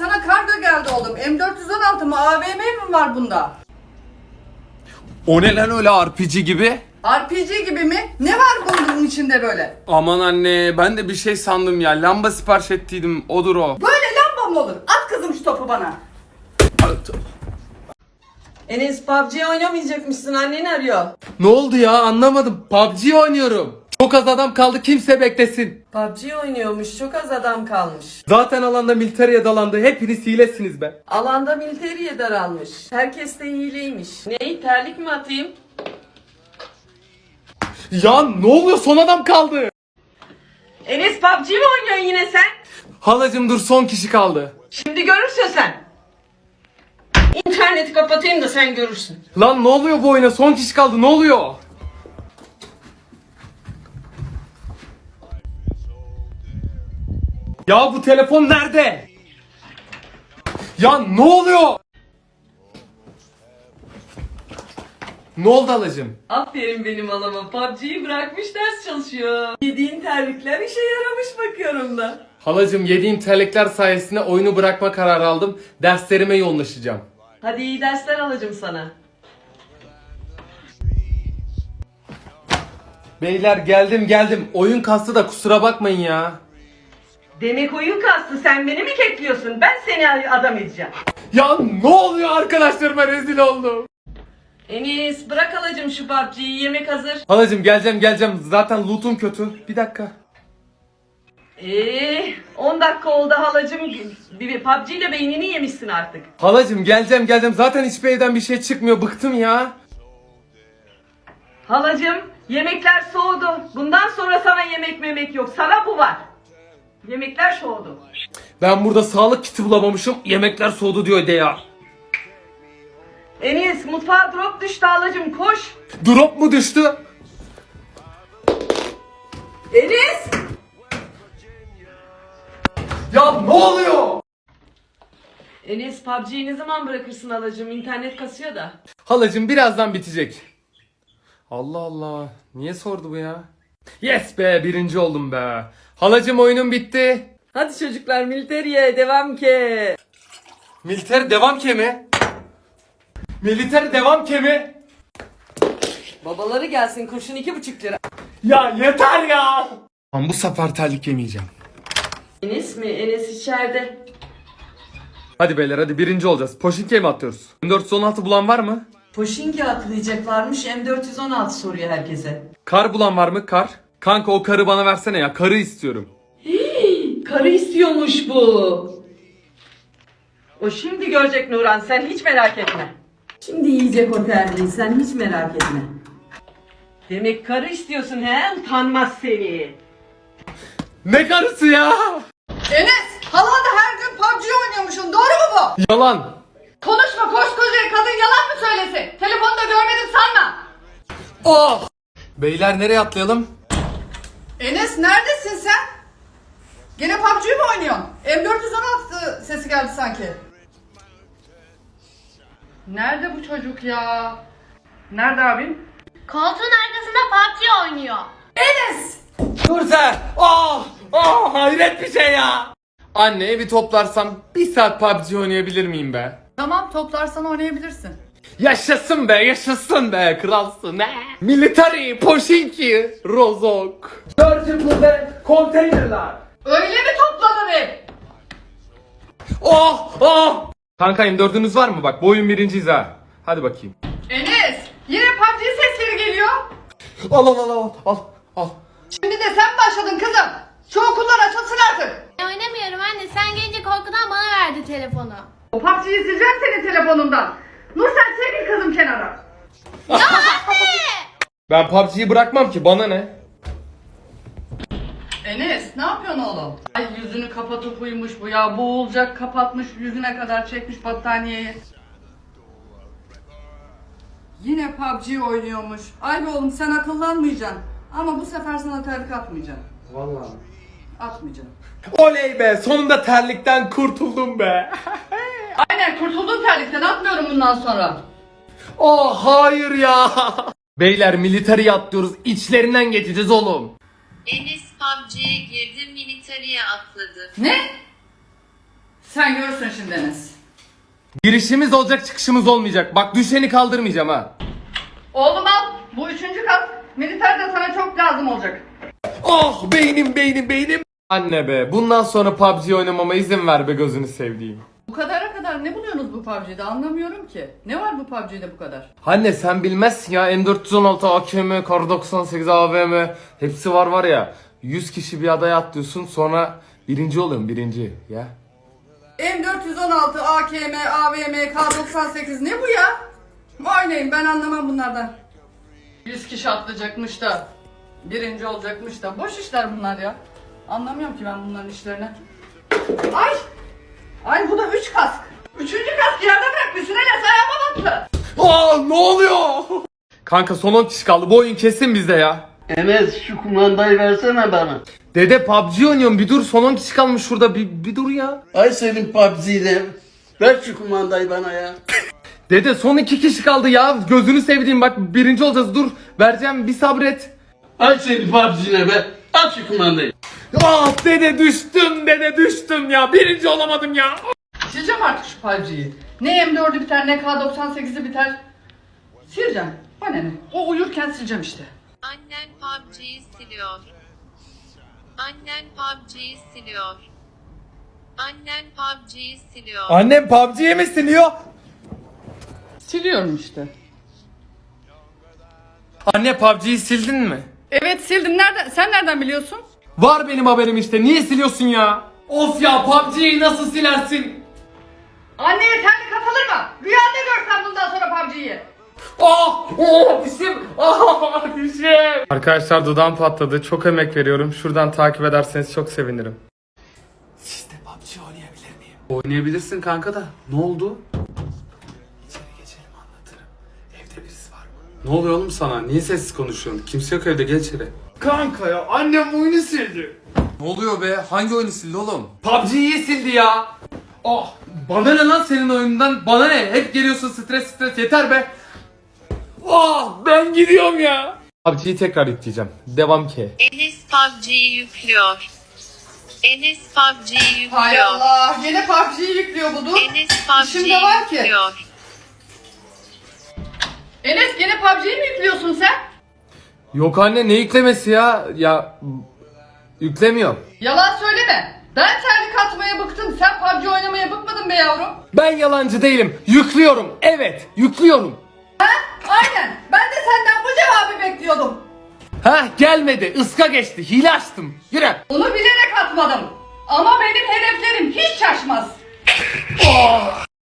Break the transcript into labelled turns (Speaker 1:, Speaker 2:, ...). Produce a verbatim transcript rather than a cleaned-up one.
Speaker 1: sana kargo geldi oğlum. M dört yüz on altı mı A V M mi var bunda?
Speaker 2: O ne lan öyle R P G gibi?
Speaker 1: R P G gibi mi? Ne var bunun içinde böyle?
Speaker 2: Aman anne ben de bir şey sandım ya. Lamba sipariş ettiydim. Odur o.
Speaker 1: Böyle lamba mı olur? At kızım şu topu bana.
Speaker 3: Enes P U B G oynamayacakmışsın, annen arıyor.
Speaker 2: Ne oldu ya anlamadım. P U B G oynuyorum. Çok az adam kaldı, kimse beklesin.
Speaker 3: P U B G oynuyormuş, çok az adam kalmış.
Speaker 2: Zaten alanda militariye dalandı. Hepiniz hilesiniz be.
Speaker 3: Alanda militeriye daralmış. Herkes de hileymiş. Ney, terlik mi atayım?
Speaker 2: Ya ne oluyor, son adam kaldı.
Speaker 3: Enes P U B G mi oynuyorsun yine sen?
Speaker 2: Halacım dur, son kişi kaldı.
Speaker 3: Şimdi görürsün sen. İnterneti kapatayım da sen görürsün.
Speaker 2: Lan ne oluyor bu oyuna, son kişi kaldı, ne oluyor? Ya bu telefon nerede? Ya ne oluyor? Ne oldu halacım?
Speaker 3: Aferin benim alama, P U B G'yi bırakmış ders çalışıyor. Yediğin terlikler işe yaramış bakıyorum da.
Speaker 2: Halacım yediğim terlikler sayesinde oyunu bırakma kararı aldım. Derslerime yoğunlaşacağım.
Speaker 3: Hadi iyi dersler alacağım sana.
Speaker 2: Beyler geldim geldim. Oyun kastı da kusura bakmayın ya.
Speaker 3: Demek oyun kastı, sen beni mi kekliyorsun? Ben seni adam edeceğim.
Speaker 2: Ya ne oluyor, arkadaşlarıma rezil oldum.
Speaker 3: Enis bırak alacağım şu P U B G'yi, yemek hazır.
Speaker 2: Halacım geleceğim geleceğim. Zaten loot'um kötü. Bir dakika.
Speaker 3: Eee on dakika oldu halacığım. Bir P U B G ile beynini yemişsin artık.
Speaker 2: Halacım geleceğim geleceğim. Zaten hiçbir evden bir şey çıkmıyor. Bıktım ya.
Speaker 3: Halacığım yemekler soğudu. Bundan sonra sana yemek memek yok. Sana bu var. Yemekler soğudu.
Speaker 2: Ben burada sağlık kiti bulamamışım. Yemekler soğudu diyor de ya.
Speaker 3: Enis mutfağa drop düştü halacığım, koş.
Speaker 2: Drop mu düştü?
Speaker 3: Enis.
Speaker 2: Ya ne oluyor?
Speaker 3: Enis P U B G'yi ne zaman bırakırsın halacığım? İnternet kasıyor da.
Speaker 2: Halacım birazdan bitecek. Allah Allah. Niye sordu bu ya? Yes be, birinci oldum be. Halacım oyunum bitti.
Speaker 3: Hadi çocuklar militeriye devam ke.
Speaker 2: Militer devam kemi. Militer devam kemi.
Speaker 3: Babaları gelsin, kurşun iki buçuk lira.
Speaker 2: Ya yeter ya. Ben bu sefer terlik yemeyeceğim.
Speaker 3: Enis mi? Enes içeride.
Speaker 2: Hadi beyler hadi, birinci olacağız. Poşinkiye mi atlıyoruz? M dört yüz on altı bulan var mı?
Speaker 3: Poşinki atlayacaklarmış, M dört yüz on altı soruyor herkese.
Speaker 2: Kar bulan var mı? Kar. Kanka o karı bana versene ya. Karı istiyorum.
Speaker 3: Hii, karı istiyormuş bu. O şimdi görecek Nuran, sen hiç merak etme. Şimdi yiyecek o terliği, sen hiç merak etme. Demek karı istiyorsun he? Utanmaz seni.
Speaker 2: Ne karısı ya?
Speaker 1: Enes, hala da her gün P U B G oynuyormuşsun. Doğru mu bu?
Speaker 2: Yalan.
Speaker 1: Konuşma, koskoca kadın yalan mı söylesin? Telefonda görmedim sanma.
Speaker 2: Oh. Beyler nereye atlayalım?
Speaker 1: Enes neredesin sen? Gene P U B G mi oynuyorsun? M dört yüz on altı sesi geldi sanki. Nerede bu çocuk ya? Nerede abim?
Speaker 4: Koltuğun arkasında P U B G oynuyor.
Speaker 1: Enes!
Speaker 2: Dur sen. Oh. Oh hayret bir şey ya. Anne evi toplarsam bir saat P U B G oynayabilir miyim be?
Speaker 1: Tamam, toplarsan oynayabilirsin.
Speaker 2: Yaşasın be, yaşasın be, kralsın he. Military, Poşinki, Rozok. Surgical ve konteynerler.
Speaker 1: Öyle mi topladın ev?
Speaker 2: Oh, oh. Kanka M dördünüz var mı? Bak bu oyun birinciyiz ha. Hadi bakayım.
Speaker 1: Enes! Yine P U B G sesleri geliyor.
Speaker 2: Al al al al al al.
Speaker 1: Şimdi de sen başladın kızım. Şu okullar açılsın artık.
Speaker 4: Ben oynamıyorum anne. Sen gelince korkudan bana verdi telefonu.
Speaker 1: O P U B G'yi sileceğim senin telefonundan. Nur sen çekil kızım kenara.
Speaker 4: Ya anne!
Speaker 2: Ben P U B G'yi bırakmam ki, bana ne?
Speaker 1: Enes ne yapıyorsun oğlum? Ay yüzünü kapatıp uyumuş bu ya. Boğulacak, kapatmış yüzüne kadar, çekmiş battaniyeyi. Yine P U B G oynuyormuş. Ay be oğlum sen akıllanmayacaksın. Ama bu sefer sana terlik atmayacağım.
Speaker 2: Vallahi.
Speaker 1: Atmayacağım.
Speaker 2: Oley be, sonunda terlikten kurtuldum be.
Speaker 1: Aynen, kurtuldum terlikten, atmıyorum bundan sonra.
Speaker 2: Oh hayır ya. Beyler military atlıyoruz, içlerinden geçeceğiz oğlum.
Speaker 5: Enes P U B G'ye girdi, militariye atladı.
Speaker 1: Ne? Sen Sen görürsün şimdi Enes.
Speaker 2: Girişimiz olacak, çıkışımız olmayacak. Bak düşeni kaldırmayacağım ha.
Speaker 1: Oğlum al. Bu üçüncü kat. Militer de sana çok lazım olacak.
Speaker 2: Oh beynim beynim beynim. Anne be, bundan sonra P U B G oynamama izin ver be gözünü sevdiğim.
Speaker 1: Bu kadara kadar ne buluyorsunuz bu P U B G'de anlamıyorum ki. Ne var bu P U B G'de bu kadar?
Speaker 2: Anne sen bilmezsin ya, M dört yüz on altı, A K M, Kar doksan sekiz, A V M hepsi var var ya. yüz kişi bir adaya atlıyorsun, sonra birinci oluyorsun, birinci ya.
Speaker 1: M dört yüz on altı, A K M, A V M, K doksan sekiz ne bu ya? Oynayın, ben anlamam bunlardan. yüz kişi atlayacakmış da birinci olacakmış da boş işler bunlar ya. Anlamıyorum ki ben bunların işlerini. Ay! Ay bu da üç kask. Üçüncü kask yerde bırakmışsın Enes, ayağıma battı.
Speaker 2: Aa ne oluyor? Kanka son on kişi kaldı, bu oyun kesin bizde ya.
Speaker 5: Enes şu kumandayı versene bana.
Speaker 2: Dede P U B G oynuyorum, bir dur, son on kişi kalmış şurada, bir, bir dur ya.
Speaker 5: Ay senin P U B G'de. Ver şu kumandayı bana ya.
Speaker 2: Dede son iki kişi kaldı ya, gözünü sevdiğim bak, birinci olacağız, dur vereceğim, bir sabret.
Speaker 5: Ay senin P U B G'ne be. Al şu kumandayı.
Speaker 2: Ah dede düştüm, dede düştüm ya, birinci olamadım ya.
Speaker 1: Sileceğim artık şu P U B G'yi. Ne M dördü biter ne K doksan sekizi biter. Sileceğim. Bana ne? O uyurken sileceğim işte.
Speaker 6: Annen P U B G'yi siliyor. Annen P U B G'yi siliyor. Annen P U B G'yi siliyor.
Speaker 2: Annem P U B G'yi mi siliyor?
Speaker 1: Siliyorum işte.
Speaker 2: Anne P U B G'yi sildin mi?
Speaker 1: Evet sildim. Nereden? Sen nereden biliyorsun?
Speaker 2: Var benim haberim işte, niye siliyorsun ya? Of ya, P U B G'yi nasıl silersin?
Speaker 1: Anneye terlik atılır mı? Rüyanda görsen bundan sonra P U B G'yi.
Speaker 2: Ah! Oh dişim! Ah dişim! Arkadaşlar dudağım patladı, çok emek veriyorum. Şuradan takip ederseniz çok sevinirim. Siz de P U B G oynayabilir miyim? Oynayabilirsin kanka da. Ne oldu? İçeri geçelim, anlatırım. Evde birisi var mı? Ne oluyor oğlum sana? Niye sessiz konuşuyorsun? Kimse yok evde, gel içeri. Kanka ya, annem oyunu sildi.
Speaker 7: Ne oluyor be? Hangi oyunu sildi oğlum?
Speaker 2: P U B G'yi sildi ya. Ah! Bana ne lan senin oyundan? Bana ne? Hep geliyorsun stres stres, yeter be. Ah! Ben gidiyorum ya. P U B G'yi tekrar yükleyeceğim. Devam ki.
Speaker 6: Enes P U B G'yi yüklüyor. Enes P U B G'yi
Speaker 1: Hay
Speaker 6: yüklüyor.
Speaker 1: Allah. Yine P U B G'yi yüklüyor bu dur.
Speaker 6: Enes P U B
Speaker 1: İşimde
Speaker 6: G'yi
Speaker 1: var ki.
Speaker 6: yüklüyor.
Speaker 1: Enes gene P U B G'yi mi yüklüyorsun sen?
Speaker 2: Yok anne, ne yüklemesi ya? Ya yüklemiyorum.
Speaker 1: Yalan söyleme. Ben terlik atmaya bıktım. Sen P U B G oynamaya bıkmadın be yavrum.
Speaker 2: Ben yalancı değilim. Yüklüyorum. Evet, yüklüyorum.
Speaker 1: Ha? Aynen. Ben de senden bu cevabı bekliyordum.
Speaker 2: Ha gelmedi. Iska geçti. Hile açtım. Yürü.
Speaker 1: Onu bilerek atmadım. Ama benim hedeflerim hiç şaşmaz.